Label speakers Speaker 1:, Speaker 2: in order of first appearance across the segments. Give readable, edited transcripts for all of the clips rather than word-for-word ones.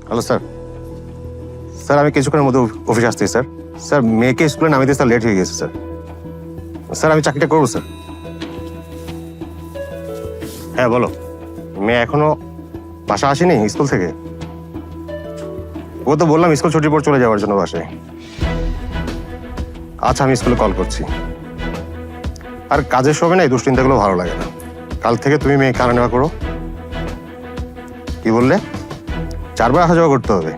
Speaker 1: Hello sir. Sir আমি কিছুক্ষণের মধ্যে অফিসে আসছি স্যার। স্যার মেয়েকে স্কুলে নামিয়ে দিয়ে স্যার লেট হয়ে গেছে স্যার। স্যার আমি চাকরিটা করবো স্যার। হ্যাঁ বলো। মেয়ে এখনো বাসা আসেনি স্কুল থেকে? ও তো বললাম স্কুল ছুটির পর চলে যাওয়ার জন্য বাসায়। আচ্ছা আমি স্কুলে কল করছি। আর কাজের সময় না এই দুশ্চিন্তাগুলো ভালো লাগে না। কাল থেকে তুমি মেয়ে কারা নেওয়া করো। কি বললে? 4 বার আসা যাওয়া করতে হবে?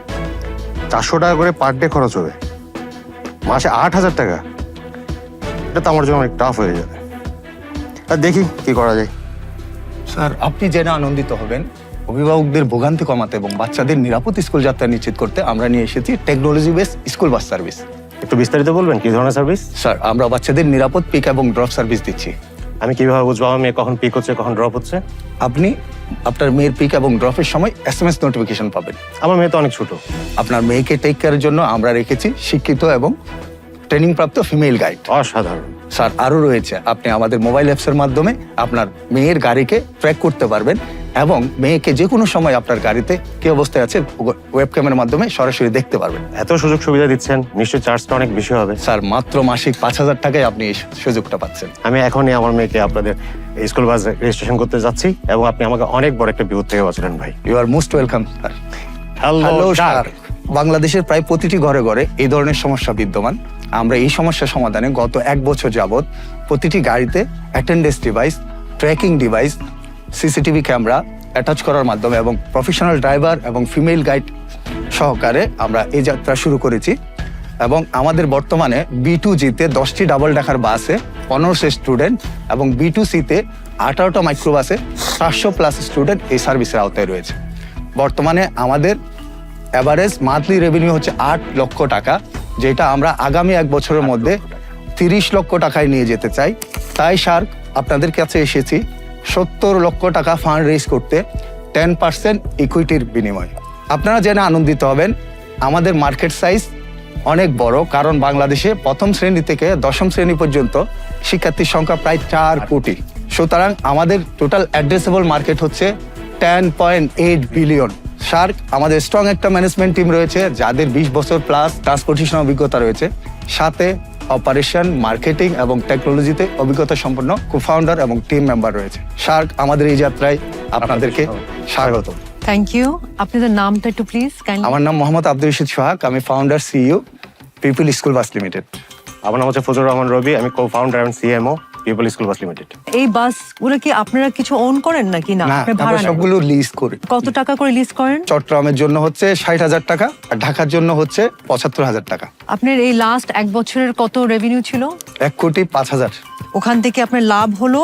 Speaker 1: 400 টাকা করে পার ডে খরচ হবে, মাসে 8,000 টাকা। এটা তো আমার জন্য অনেক টাফ হয়ে যাবে। আর দেখি কি করা যায়।
Speaker 2: স্যার আপনি জেনে আনন্দিত হবেন, অভিভাবকদের ভোগান্তি কমাতে এবং বাচ্চাদের নিরাপদ স্কুল যাত্রা নিশ্চিত করতে আমরা নিয়ে এসেছি technology base school bus service.
Speaker 1: একটু বিস্তারিত বলবেন কি ধরনের সার্ভিস?
Speaker 2: স্যার আমরা বাচ্চাদের নিরাপদ পিক এবং ড্রপ সার্ভিস দিচ্ছি।
Speaker 1: আমি কিভাবে বুঝবো আমার মেয়ে কখন পিক হচ্ছে কখন ড্রপ হচ্ছে?
Speaker 2: আপনি আপনার মেয়ের পিক এবং ড্রপের সময় SMS নোটিফিকেশন পাবেন।
Speaker 1: আমার মেয়ে তো অনেক ছোট।
Speaker 2: আপনার মেয়েকে টেক কেয়ারের জন্য আমরা রেখেছি শিক্ষিত এবং ট্রেনিং প্রাপ্ত ফিমেল গাইড।
Speaker 1: অসাধারণ।
Speaker 2: স্যার আরও রয়েছে, আপনি আমাদের মোবাইল অ্যাপসের মাধ্যমে আপনার মেয়ের গাড়িকে ট্র্যাক করতে পারবেন এবং মেয়েকে যে কোনো সময় আপনার গাড়িতে কি অবস্থায় আছে ওয়েব ক্যামেরার মাধ্যমে সরাসরি দেখতে পারবেন।
Speaker 1: এত সুযোগ সুবিধা দিচ্ছেন, নিশ্চয়ই চার্জটা অনেক বেশি হবে।
Speaker 2: স্যার মাত্র মাসিক 5,000 টাকায় আপনি এই সুযোগটা পাচ্ছেন।
Speaker 1: আমি এখনই আমার মেয়েকে আপনাদের স্কুল বাস রেজিস্ট্রেশন করতে যাচ্ছি এবং আপনি আমাকে অনেক বড় একটা বিপদ থেকে বাঁচালেন ভাই।
Speaker 2: You are most welcome sir.
Speaker 1: Hello
Speaker 2: sir, বাংলাদেশের প্রায় প্রতিটি ঘরে ঘরে এই ধরনের সমস্যা বিদ্যমান। আমরা এই সমস্যা সমাধানে গত 1 বছর যাবৎ প্রতিটি গাড়িতে attendance device, tracking device, CCTV camera attach করার মাধ্যমে এবং প্রফেশনাল ড্রাইভার এবং ফিমেল গাইড সহকারে আমরা এই যাত্রা শুরু করেছি। এবং আমাদের বর্তমানে B2G-তে 10টি ডাবল ডেকার বাসে 1500 স্টুডেন্ট এবং B2C-তে 18টা মাইক্রোবাসে 700+ স্টুডেন্ট এই সার্ভিসের আওতায় রয়েছে। বর্তমানে আমাদের অ্যাভারেজ মান্থলি রেভিনিউ হচ্ছে 8 লক্ষ টাকা, যেটা আমরা আগামী 1 বছরের মধ্যে 30 লক্ষ টাকায় নিয়ে যেতে চাই। তাই স্যার আপনাদের কাছে এসেছি 70 লক্ষ টাকা ফান্ড রেজ করতে 10% ইকুইটির বিনিময়ে। আপনারা জেনে আনন্দিত হবেন, আমাদের মার্কেট সাইজ অনেক বড়, কারণ বাংলাদেশে প্রথম শ্রেণী থেকে 10ম শ্রেণী পর্যন্ত শিক্ষার্থীর সংখ্যা প্রায় 4 কোটি। সুতরাং আমাদের টোটাল অ্যাড্রেসেবল মার্কেট হচ্ছে 10.8 বিলিয়ন। স্যার আমাদের স্ট্রং একটা ম্যানেজমেন্ট টিম রয়েছে যাদের 20 বছর প্লাস ট্রান্সপোর্টেশন অভিজ্ঞতা রয়েছে, সাথে অপারেশন, মার্কেটিং এবং টেকনোলজিতে অভিজ্ঞতা সম্পন্ন কো-ফাউন্ডার এবং টিম মেম্বার রয়েছে। স্যার আমাদের এই যাত্রায় আপনাদেরকে স্বাগত।
Speaker 3: Thank you. আপনাদের নামটা একটু প্লিজ কাইন্ডলি।
Speaker 2: আমার নাম মোহাম্মদ আব্দুল রশিদ সোহাগ, আমি founder CEO People School Bus Limited.
Speaker 1: আমার নাম হচ্ছে ফজলুর রহমান রবি, আমি কো-ফাউন্ডার এবং CMO People School Bus Limited.
Speaker 3: এই বাসগুলো কি আপনারা কিছু ওন করেন নাকি না?
Speaker 2: না,
Speaker 3: আপনি
Speaker 2: আমরা
Speaker 3: ভাড়া নেন?
Speaker 2: সবগুলো লিজ করি।
Speaker 3: কত টাকা করে লিজ করেন?
Speaker 2: চট্টগ্রামের জন্য হচ্ছে 60,000 টাকা আর ঢাকার জন্য হচ্ছে 75,000 টাকা।
Speaker 3: আপনার এই লাস্ট 1 বছরের কত রেভিনিউ ছিল?
Speaker 2: 1,05,000,000।
Speaker 3: ওখান থেকে আপনার লাভ হলো?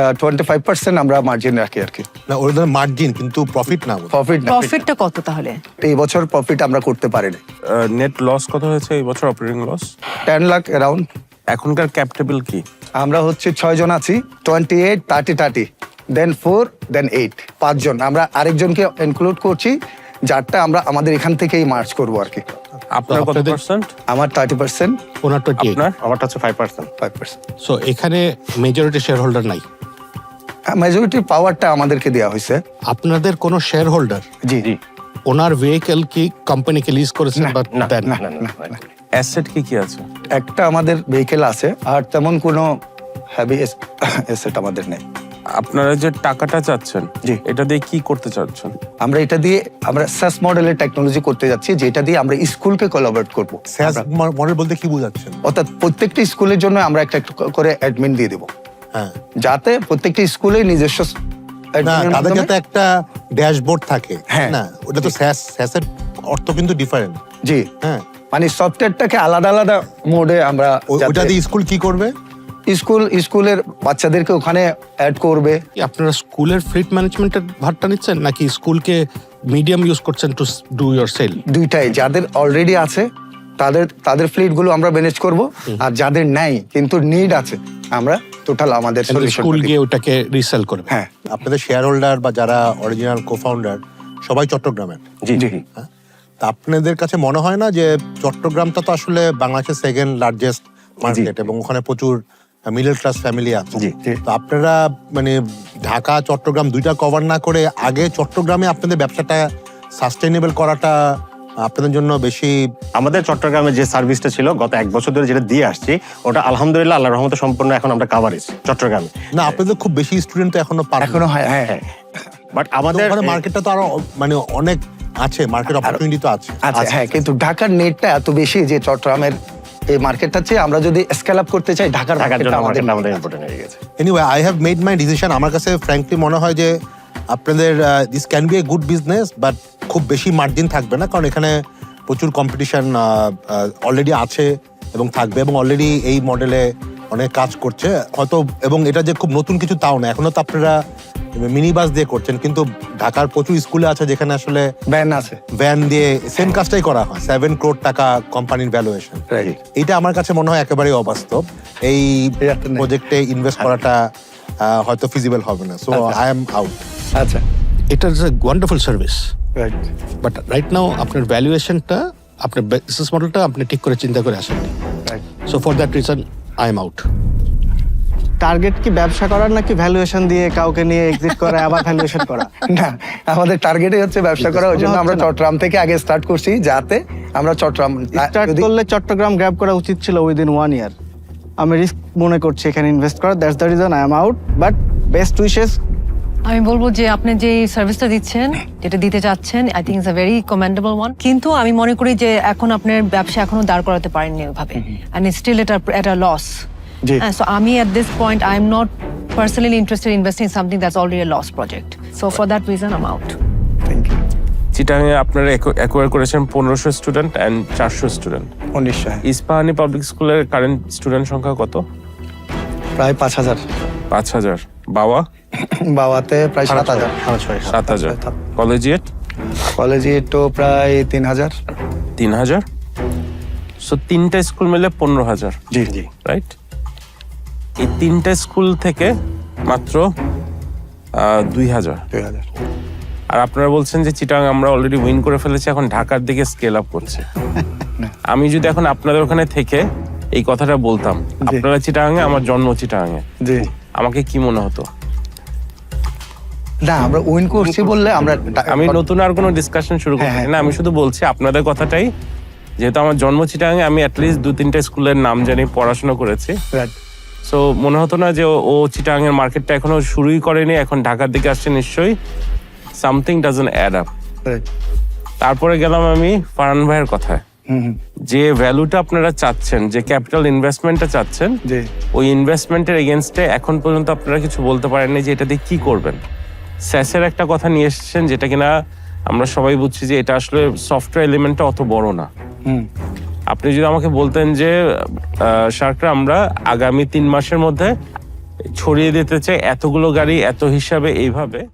Speaker 2: 25% আমরা মার্জিন রাখি আর কি।
Speaker 4: না ওর ধর মার্জিন, কিন্তু প্রফিট না।
Speaker 2: প্রফিট না,
Speaker 3: প্রফিটটা কত তাহলে?
Speaker 2: এই বছর প্রফিট আমরা করতে পারিনি।
Speaker 5: নেট লস কত হয়েছে এই বছর, অপারেটিং লস?
Speaker 2: 10 লাখ অ্যারাউন্ড।
Speaker 5: এখনকার ক্যাপ টেবিল কি?
Speaker 2: আমরা হচ্ছে 6 জন আছি, 28, 30, দেন 4, দেন 8, 5 জন। আমরা আরেকজনকে ইনক্লুড করছি, যারটা আমরা আমাদের এখান থেকেই মার্চ করবো আর কি।
Speaker 5: আপনার কত
Speaker 4: আপনাদের-
Speaker 5: পার্সেন্ট?
Speaker 2: আমার 30%,
Speaker 4: ওনার 28।
Speaker 5: আপনার?
Speaker 1: আমারটা হচ্ছে 5%।
Speaker 2: 5%।
Speaker 4: সো এখানে মেজরিটি শেয়ার হোল্ডার নাই।
Speaker 2: মেজরিটি পাওয়ারটা আমাদেরকে দেওয়া হয়েছে।
Speaker 4: আপনাদের কোনো শেয়ার হোল্ডার
Speaker 2: জি
Speaker 1: জি।
Speaker 4: ওনার ভেহিকেল কি কোম্পানিকে লিজ করেছেন
Speaker 2: না,
Speaker 4: বা
Speaker 1: না
Speaker 4: দেন?
Speaker 1: না না না, না।
Speaker 5: অ্যাসেট কি কি আছে?
Speaker 2: একটা আমাদের ভেহিকেল আছে, আর তেমন কোনো হ্যাভি অ্যাসেট আমাদের নেই।
Speaker 5: আপনারা যে টাকাটা চাচ্ছেন,
Speaker 2: জি।
Speaker 5: এটা দিয়ে কি করতে চাচ্ছেন?
Speaker 2: আমরা এটা দিয়ে আমরা সাস মডেলের টেকনোলজি করতে যাচ্ছি, যেটা দিয়ে আমরা স্কুলকে কোলাবরেট করব।
Speaker 4: স্যাস মডেল বলতে কি বোঝাচ্ছেন?
Speaker 2: অর্থাৎ প্রত্যেকটা স্কুলের জন্য আমরা একটা একটা করে অ্যাডমিন দিয়ে দেবো,
Speaker 4: হ্যাঁ,
Speaker 2: যাতে প্রত্যেকটা স্কুলে নিজস্ব
Speaker 4: না
Speaker 2: admin এর
Speaker 4: তাদের
Speaker 2: মাধ্যমে-
Speaker 4: যাতে একটা ড্যাশবোর্ড থাকে।
Speaker 2: হ্যাঁ।
Speaker 4: না ওটা তো স্যাসের অর্থ কিন্তু ডিফারেন্ট।
Speaker 2: জি,
Speaker 4: হ্যাঁ,
Speaker 2: মানে সফটওয়্যারটাকে আলাদা আলাদা মোডে আমরা
Speaker 4: ওটা দিয়ে স্কুল কি করবে?
Speaker 2: স্কুলের বাচ্চাদেরকে ওখানে অ্যাড করবে।
Speaker 4: কি আপনারা স্কুলের ফ্লিট ম্যানেজমেন্টের ভারটা নিচ্ছেন নাকি স্কুলকে মিডিয়াম ইউজ করছেন টু ডু ইয়োর সেল?
Speaker 2: দুইটাই, যাদের অলরেডি আছে তাদের ফ্লিটগুলো আমরা ম্যানেজ করব, আর যাদের নাই কিন্তু নিড আছে আমরা টোটাল আমাদের সলিউশন।
Speaker 4: স্কুল গিয়ে ওটাকে রিসেল করবে।
Speaker 2: হ্যাঁ
Speaker 4: আপনাদের শেয়ার হোল্ডার বা যারা অরিজিনাল কো-ফাউন্ডার সবাই চট্টগ্রামের।
Speaker 1: জি
Speaker 2: জি।
Speaker 1: জি।
Speaker 4: হ্যাঁ? তা আপনাদের কাছে মনে হয় না যে চট্টগ্রামটা তো আসলে বাংলাদেশের সেকেন্ড লার্জেস্ট মার্কেট এবং ওখানে প্রচুর মিডল ক্লাস ফ্যামিলি আছে?
Speaker 1: জি,
Speaker 2: জি।
Speaker 4: তো আপনারা মানে ঢাকা চট্টগ্রাম দুইটা কভার না করে আগে চট্টগ্রামে আপনাদের ব্যবসাটা সাস্টেইনেবল করাটা আপনাদের জন্য বেশি?
Speaker 1: আমাদের চট্টগ্রামে যে সার্ভিসটা ছিল গত 1 বছর ধরে যেটা দিয়ে আসছি, ওটা আলহামদুলিল্লাহ আল্লাহর রহমতে সম্পূর্ণ এখন আমরা কাভারেজ চট্টগ্রামে।
Speaker 4: না, আপনাদের খুব বেশি স্টুডেন্ট তো এখনো পারেন।
Speaker 2: এখনো হয়, হ্যাঁ।
Speaker 1: বাট
Speaker 4: আমাদের
Speaker 1: আমাদের
Speaker 4: ওখানে মার্কেটটা তো আরো মানে অনেক আছে, মার্কেট অপরচুনিটি তো আছে।
Speaker 2: আচ্ছা, হ্যাঁ, কিন্তু ঢাকার নেটটা এত বেশি যে চট্টগ্রামের এই মার্কেটটা চেয়ে আমরা যদি স্কেল আপ করতে চাই ঢাকার
Speaker 1: ঢাকার জন্য
Speaker 2: মার্কেটটা আমাদের
Speaker 1: আমাদের ইম্পর্টেন্ট হয়ে গেছে।
Speaker 4: Anyway, I have made my decision. আমার কাছে ফ্র্যাঙ্কলি মনে হয় যে আপনাদের this can be a good business, but খুব বেশি মার্জিন থাকবে না, কারণ এখানে প্রচুর কম্পিটিশন অলরেডি আছে এবং থাকবে, এবং অলরেডি এই মডেলে অনেক কাজ করছে হয়তো। এবং এটা যে খুব নতুন কিছু তাও না, এখনো তো আপনারা মিনি বাস দিয়ে করছেন, কিন্তু ঢাকার প্রচুর স্কুলে আছে যেখানে আসলে
Speaker 2: ব্যান আছে।
Speaker 4: ভ্যান দিয়ে সেম কাজটাই করা হয়। 7 করোড় টাকা কোম্পানির ভ্যালুয়েশন।
Speaker 2: Right.
Speaker 4: এটা আমার কাছে মনে হয় একেবারেই অবাস্তব। এই
Speaker 2: এটা নেই।
Speaker 4: প্রজেক্টে ইনভেস্ট করাটা হয়তো ফিজিবল হবে না। So I am out.
Speaker 2: আচ্ছা,
Speaker 6: It is a wonderful service.
Speaker 2: right.
Speaker 6: But right now আপনার ভ্যালুয়েশনটা, আপনার বিজনেস মডেলটা আপনি ঠিক করে চিন্তা করে আসেননি।
Speaker 2: Right.
Speaker 6: So for that reason I am out.
Speaker 7: Target কি ব্যবসা করার নাকি ভ্যালুয়েশন দিয়ে কাউকে নিয়ে এক্সিট করা আবার ভ্যালুয়েশন করা?
Speaker 2: না, আমাদের টার্গেটই হচ্ছে ব্যবসা করা। ওই জন্য আমরা
Speaker 7: হচ্ছে না।
Speaker 2: চট্টগ্রাম থেকে আগে স্টার্ট করছি, যাতে আমরা চট্টগ্রাম
Speaker 7: স্টার্ট করলে চট্টগ্রাম গ্র্যাব করা উচিত ছিল উইদিন 1 ইয়ার। আমি রিস্ক মনে করছি এখানে ইনভেস্ট করা। That's the reason I am out, but best wishes.
Speaker 3: আমি বলবো যে আপনি যে সার্ভিসটা দিচ্ছেন, যেটা দিতে চাচ্ছেন, I think it's a very commendable one. কিন্তু আমি মনে করি যে এখন আপনার ব্যবসা এখনো দাঁড় করাতে পারেননি ওইভাবে, অ্যান্ড স্টিল এটা লস।
Speaker 2: জি।
Speaker 3: সো আমি at this point I am not personally interested in investing in something that's already a lost project. So for that reason I'm out.
Speaker 2: Thank you.
Speaker 5: চিটাগাঙে আপনারা অ্যাকোয়ার করেছেন 1500 student and 400 student.
Speaker 2: 1900,
Speaker 5: Ispahani public স্কুলের current student সংখ্যা কত?
Speaker 2: প্রায় 5000।
Speaker 5: 5000। বাবা?
Speaker 2: বাবাতে প্রায় 7000।
Speaker 5: 7000। Collegiate?
Speaker 2: কলেজে তো প্রায় 3000।
Speaker 5: 3000। সো 3টা স্কুল মিলে 15000।
Speaker 2: জি জি।
Speaker 5: রাইট? এই 3টা স্কুল থেকে মাত্র 2000।
Speaker 2: 2000।
Speaker 5: আর আপনারা বলছেন যে চিটাগাং আমরা অলরেডি উইন করে ফেলেছি, এখন ঢাকার দিকে স্কেল আপ করছে। আমি যদি এখন আপনাদের ওখানে থেকে এই কথাটা বলতাম, আপনারা চিটাগাঙে, আমার জন্ম চিটাগাঙে,
Speaker 2: জি।
Speaker 5: আমাকে কি মনে হতো?
Speaker 2: না, আমরা উইন করছি বললে আমরা
Speaker 5: আমি নতুন আর কোনো ডিসকাশন শুরু করছি
Speaker 2: হ্যাঁ,
Speaker 5: না, আমি শুধু বলছি আপনাদের কথাটাই, যেহেতু আমার জন্ম চিটাগাঙে, আমি অ্যাটলিস্ট 2-3টা স্কুলের নাম জানি, পড়াশোনা করেছি।
Speaker 2: Right.
Speaker 5: সো মনে হতো না যে ও চিটাগাঙের মার্কেটটা এখনো শুরুই করেনি, এখন ঢাকার দিকে আসছে, নিশ্চয়ই something doesn't add up.
Speaker 2: Right.
Speaker 5: তারপরে গেলাম আমি ফারহান ভাইয়ের কথায়, যে ভ্যালুটা আপনারা চাচ্ছেন, যে ক্যাপিটাল ইনভেস্টমেন্টটা চাচ্ছেন,
Speaker 2: জি।
Speaker 5: ওই ইনভেস্টমেন্টের এগেনস্টে এখন পর্যন্ত আপনারা কিছু বলতে পারেননি যে এটা দিয়ে কি করবেন। স্যাসের একটা কথা নিয়ে এসেছেন, যেটা কিনা আমরা সবাই বুঝছি যে এটা আসলে সফটওয়্যার এলিমেন্টটা অত বড় না। আপনি যদি আমাকে বলতেন যে শার্করা আমরা আগামী 3 মাসের মধ্যে ছড়িয়ে দিতে চাই এতগুলো গাড়ি এত হিসাবে, এইভাবে